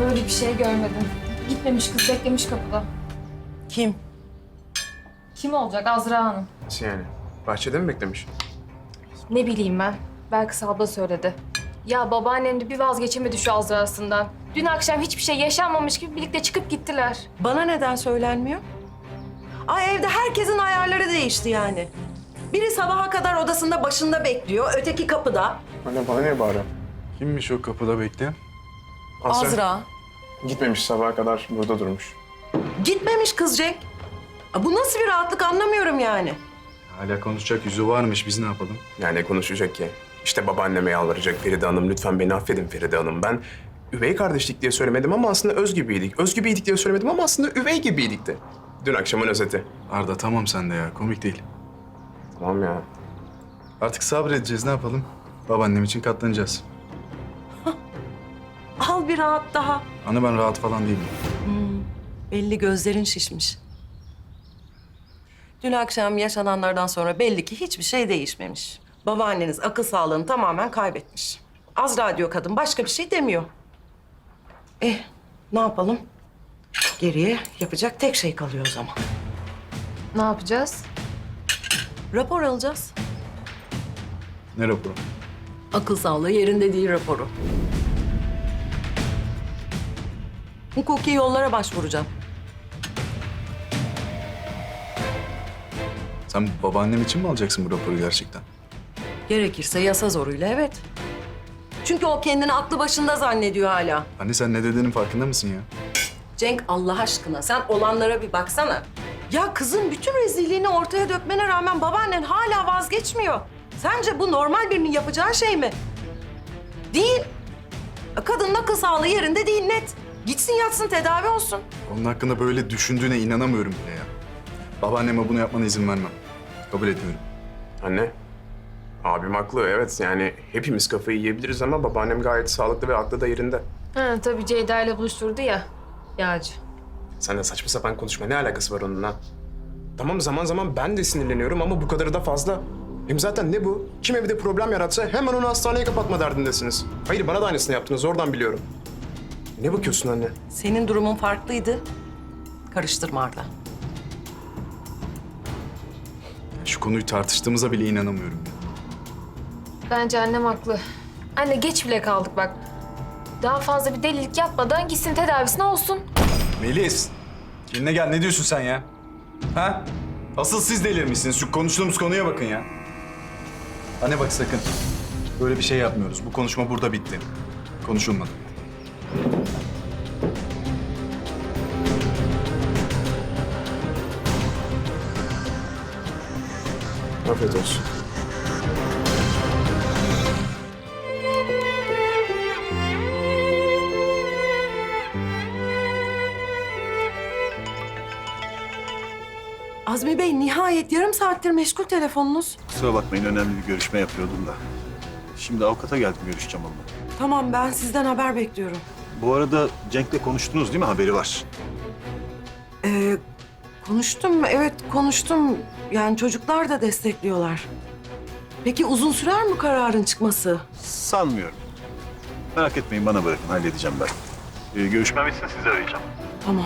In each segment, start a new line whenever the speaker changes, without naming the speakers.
böyle bir şey görmedim. Gitmemiş kız, beklemiş kapıda.
Kim?
Kim olacak? Azra Hanım.
Nasıl yani? Bahçede mi beklemiş?
Ne bileyim ben. Belkıs abla söyledi. Ya babaannem de bir vazgeçemedi şu Azra'sından. Dün akşam hiçbir şey yaşanmamış gibi birlikte çıkıp gittiler.
Bana neden söylenmiyor? Ay evde herkesin ayarları değişti yani. Biri sabaha kadar odasında başında bekliyor, öteki kapıda.
Anne bana niye bağırıyor?
Kimmiş o kapıda bekleyen?
Azra.
Gitmemiş, sabaha kadar burada durmuş.
Gitmemiş kız Cenk. Bu nasıl bir rahatlık anlamıyorum yani.
Hala konuşacak yüzü varmış, biz ne yapalım?
Yani konuşacak ki. İşte babaanneme yalvaracak Feride Hanım. Lütfen beni affedin Feride Hanım. Ben üvey kardeşlik diye söylemedim ama aslında öz gibiydik. Öz gibiydik diye söylemedim ama aslında üvey gibiydik de. Dün akşamın özeti.
Arda tamam sen de ya, komik değil.
Tamam ya.
Artık sabredeceğiz, ne yapalım? Babaannem için katlanacağız.
Al bir rahat daha.
Anne ben rahat falan değilim.
Belli gözlerin şişmiş. Dün akşam yaşananlardan sonra belli ki hiçbir şey değişmemiş. Babaanneniz akıl sağlığını tamamen kaybetmiş. Azra diyor kadın, başka bir şey demiyor. Ne yapalım? Geriye yapacak tek şey kalıyor o zaman.
Ne yapacağız?
Rapor alacağız.
Ne raporu?
Akıl sağlığı yerinde değil raporu. Hukuki yollara başvuracağım.
Sen babaannem için mi alacaksın bu raporu gerçekten?
Gerekirse yasa zoruyla evet. Çünkü o kendini aklı başında zannediyor hala.
Anne sen ne dediğinin farkında mısın ya?
Cenk Allah aşkına sen olanlara bir baksana. Ya kızın bütün rezilliğini ortaya dökmene rağmen babaannen hala vazgeçmiyor. Sence bu normal birinin yapacağı şey mi? Değil. Kadının akıl sağlığı yerinde değil net. Gitsin yatsın tedavi olsun.
Onun hakkında böyle düşündüğüne inanamıyorum bile ya. Babaanneme bunu yapmana izin vermem. Kabul etmiyorum.
Anne. Abim haklı, evet. Yani hepimiz kafayı yiyebiliriz ama babaannem gayet sağlıklı ve aklı da yerinde.
Ha tabii Ceyda ile buluşturdu ya. Yağcı.
Sen de saçma sapan konuşma. Ne alakası var onunla? Tamam zaman zaman ben de sinirleniyorum ama bu kadarı da fazla. Hem zaten ne bu? Kim evde problem yaratsa hemen onu hastaneye kapatma derdindesiniz. Hayır bana da aynısını yaptınız. Oradan biliyorum. Ne bakıyorsun anne?
Senin durumun farklıydı. Karıştırma Arda.
Şu konuyu tartıştığımıza bile inanamıyorum ya.
Bence annem haklı. Anne geç bile kaldık bak. Daha fazla bir delilik yapmadan gitsin tedavisine olsun.
Melis! Kendine gel, ne diyorsun sen ya? Ha? Asıl siz delirmişsiniz. Şu konuştuğumuz konuya bakın ya. Anne bak sakın. Böyle bir şey yapmıyoruz. Bu konuşma burada bitti. Konuşulmadı.
Afiyet olsun.
Azmi Bey nihayet yarım saattir meşgul telefonunuz.
Kusura bakmayın, önemli bir görüşme yapıyordum da. Şimdi avukata geldim, görüşeceğim onunla.
Tamam ben sizden haber bekliyorum.
Bu arada Cenk'le konuştunuz değil mi? Haberi var.
Konuştum, evet konuştum. Yani çocuklar da destekliyorlar. Peki uzun sürer mi kararın çıkması?
Sanmıyorum. Merak etmeyin, bana bırakın, halledeceğim ben. Görüşmem bitsin, sizi arayacağım.
Tamam.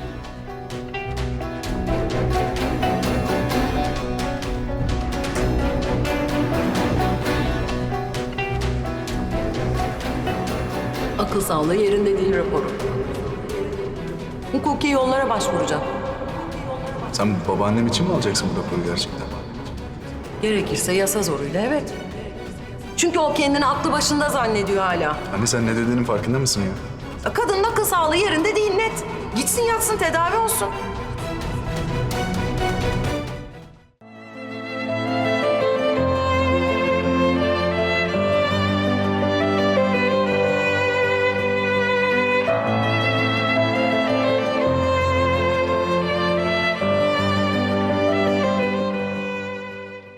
Akıl sağlığı yerinde değil raporu. Hukuki yollara başvuracağım.
Sen babaannem için mi alacaksın bu raporu gerçekten?
Gerekirse yasa zoruyla evet. Çünkü o kendini aklı başında zannediyor hala.
Anne sen ne dediğinin farkında mısın ya?
Kadının akıl sağlığı yerinde değil net. Gitsin yatsın tedavi olsun.